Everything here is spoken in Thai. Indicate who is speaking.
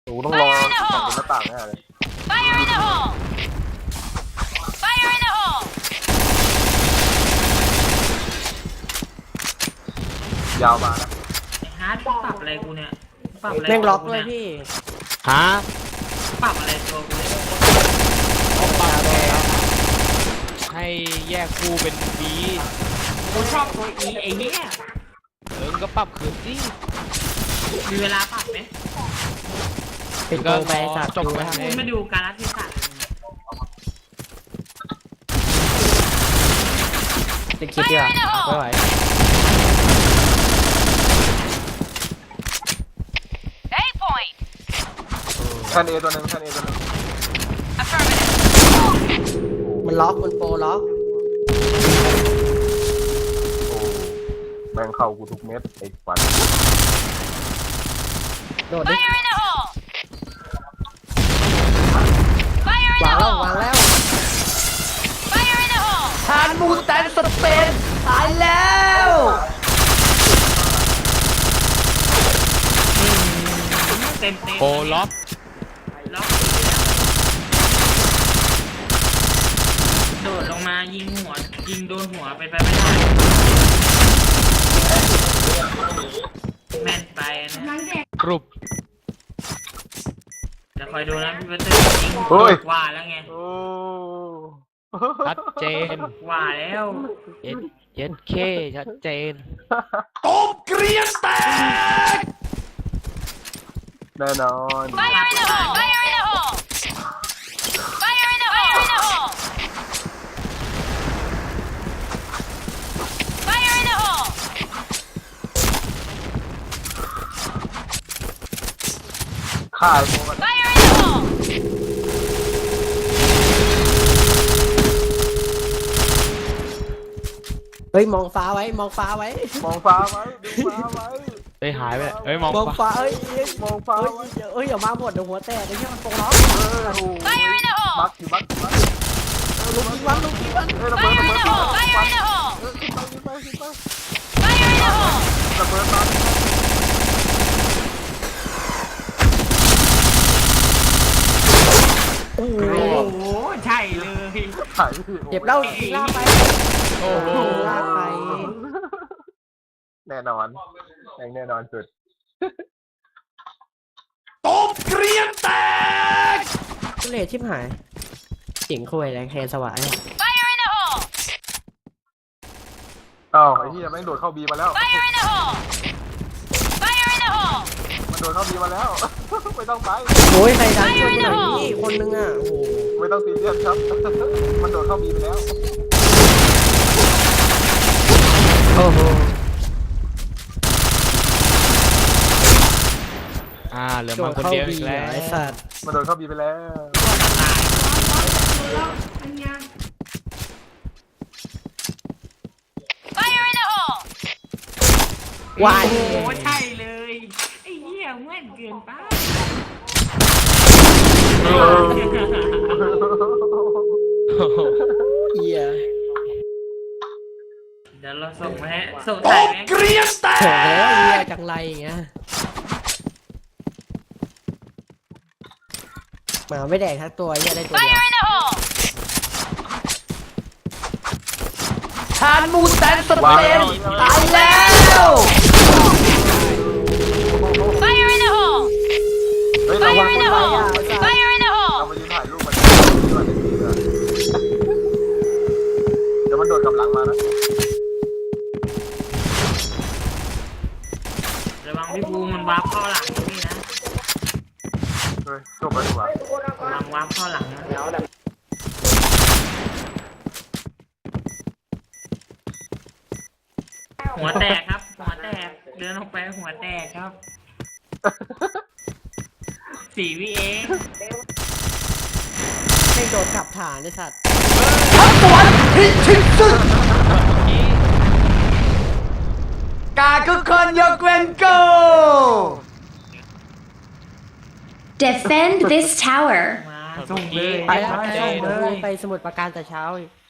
Speaker 1: หนูต้องรอฝั่งหน้าต่างแน่เลยยาวมานะ
Speaker 2: ไอ้ฮาร์ดปรับอะไรกูเนี่ยปรับอะไร
Speaker 3: แม่งล็อกด้วยพี่
Speaker 4: ฮะ
Speaker 2: ปรับอะไรตัวกูเนี่ย
Speaker 4: ปรับแล้วให้แยกคู่เป็นบี
Speaker 2: กูชอบตัวอีไอ้เหี้ย
Speaker 4: ก็ปรับคืนสิ
Speaker 2: มีเวลาปรับไหม
Speaker 3: เป็นโกงไปสัตว์
Speaker 4: จบไป
Speaker 2: กูไม่ดูการรัฐเทศะเลย
Speaker 3: จะคิดดีกว่าไม่ไหว
Speaker 1: แคนเอตัวหนึ่งแคนเอตัวหนึ่ง
Speaker 3: มันล็อกมันโปรล็อก
Speaker 1: โอ้แม่งเข้ากูทุกเม็ดไอ้ฝัน
Speaker 3: โดดดิวางแล้วทานมูแตนสเปนตายแล้ว
Speaker 2: เต็ม
Speaker 4: โปล็อก
Speaker 2: ล็อกโดดลงมายิงหัวยิงโดนหัวไปไม่ได้แม่นไปนะ
Speaker 4: กรุบ
Speaker 2: จะคอยดูนะพี่เบอร์เตอร์ยิงว่าแล้วไง
Speaker 1: โอ้
Speaker 4: ชัดเจน
Speaker 2: ว่าแล้ว
Speaker 4: เย็นเคชัดเจน
Speaker 1: ต้มเกรียนแตกแน่นอน ข่ายโมกัน
Speaker 3: เฮ้ยมองฟ้าไว้มองฟ้าไว้
Speaker 1: มองฟ้าไว้ดูฟ้าไว้
Speaker 4: เฮ้ยหายไปเลยเฮ้ยมอง
Speaker 3: มองฟ้าเอ้ย
Speaker 1: มองฟ้า
Speaker 3: เอ้ย
Speaker 1: ไว้
Speaker 3: เอ้ยอย่ามาหมดเดี๋ยวหัวแตกไอ้เหี้ยมันโปรล็อก
Speaker 1: โอ้บักอยู่บักอยู่บัก
Speaker 3: ลูกยิงวันลูกยิงวัน
Speaker 1: ระเบิดระเบิดระเบิดขึ้นไปขึ้นไประเบิดมา
Speaker 3: โอ้โห
Speaker 2: โอ้โหใช่เลย
Speaker 1: ถ่าย
Speaker 3: เจ็บแล้วลากไป
Speaker 4: โอ้โห
Speaker 3: ลากไป
Speaker 1: แน่นอนแน่นอนสุด
Speaker 3: ทุเรศชิบหายสิงคุยแรงแฮสวาย
Speaker 1: อ้าวไอ้ที่แม่งโดดเข้าบีมาแล้วมันโดดเข้าบีมาแล้วไม่ต้องไป
Speaker 3: โอ้ยใครดันช่วยกูหน่อยนี่คนนึงอ่ะโอ้โห
Speaker 1: ไม่ต้องซีเรียสครับมันโดดเข้าบีไปแล้ว
Speaker 3: โอ้โห
Speaker 4: เหลือมาคนเดียวอีกแล้ว
Speaker 3: ไอ้สัตว์
Speaker 1: มันโดดเข้าบีไปแล้ว
Speaker 3: วาย
Speaker 2: โอ้โหใช่เลยไอ้เหี้ยแม่นเกินไป
Speaker 3: เหี้ย
Speaker 2: เดี๋ยวเราส่งมาให้ส่งถ่ายไหม
Speaker 3: โถ่แล้วเหี้ยจังไรอย่างเงี้ยหมาไม่แดกทั้งตัวเหี้ยได้ตัวเดียวทานมูแตนสเปนตายแล้ว
Speaker 1: เฮ้ยระวังคนเราเรามายืนถ่ายรูปมันเดี๋ยวมันโดดกลับหลังมานะ
Speaker 2: ระวังพี่บูมันวาร์ปเข้าหลังพี่นะ
Speaker 1: เฮ้ยจบแล้วดีกว่า
Speaker 2: ระวังวาร์ปเข้าหลังนะหัวแตกครับหัวแตกเดินออกไปหัวแตกครับ4 วิเอง
Speaker 3: ให้โดดกลับฐานไอ้สัตว์
Speaker 5: กาคือคนยกเว้นกู
Speaker 6: Defend this tower.
Speaker 2: มาส่งเลย
Speaker 3: ไป
Speaker 2: ส่งเลย
Speaker 3: ไปสมุดประการแต่เช้าอีก